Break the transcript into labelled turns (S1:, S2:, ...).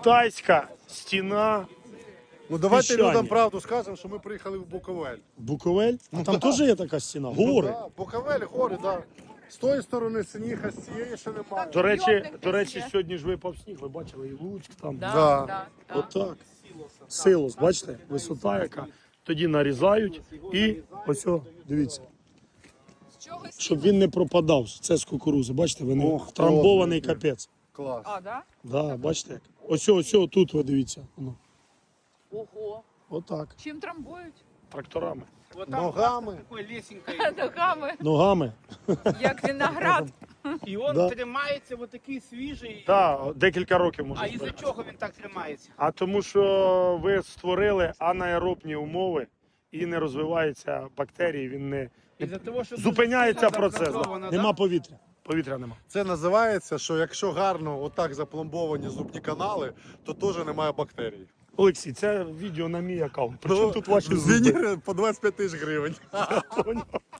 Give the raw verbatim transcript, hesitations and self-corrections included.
S1: Китайська стіна.
S2: Ну давайте
S1: Піщані.
S2: людям правду скажемо, що ми приїхали в Буковель.
S1: Буковель? А там теж є така стіна? Гори.
S2: Да, Буковель, гори, так. Да. З тої сторони сніг, а з цієї ще немає.
S1: До речі,
S3: Йомник
S1: до речі,
S3: є.
S1: сьогодні ж випав сніг, ви бачили, і Луцьк там.
S3: Да,
S2: Да.
S3: да, да.
S1: Отак. Силос, бачите, висота яка. Тоді нарізають і ось, о, дивіться,
S3: З чого сніг?
S1: щоб він не пропадав. Це з кукурузи, бачите, він
S2: Ох,
S1: втрамбований
S2: класно.
S1: капець.
S2: Клас.
S3: А, да?
S1: Да, бачите як. Ось, ось, ось тут, ви дивіться. Воно.
S3: Ого.
S1: Отак,
S3: Чим трамбують?
S1: тракторами.
S4: Вот там
S2: Ногами.
S4: такой лесенкой.
S3: Ногами,
S1: Ногами.
S3: як виноград.
S4: І він
S1: Да.
S4: тримається вот такий свіжий.
S1: Так, декілька років
S4: А
S1: може.
S4: із-за чого він так тримається?
S1: А тому що ви створили анаеробні умови і не розвиваються бактерії, він не
S4: Із-за того, що
S1: зупиняється
S4: дуже сильно
S1: процес.
S4: зафрезовано,
S1: Нема
S4: да?
S1: повітря. Повітря нема.
S2: Це називається, що якщо гарно отак запломбовані зубні канали, то теж немає бактерій.
S1: Олексій, це відео на мій аккаунт. Причому тут ваші зуби?
S2: Звіні по двадцять п'ять тисяч гривень.
S1: Поняв?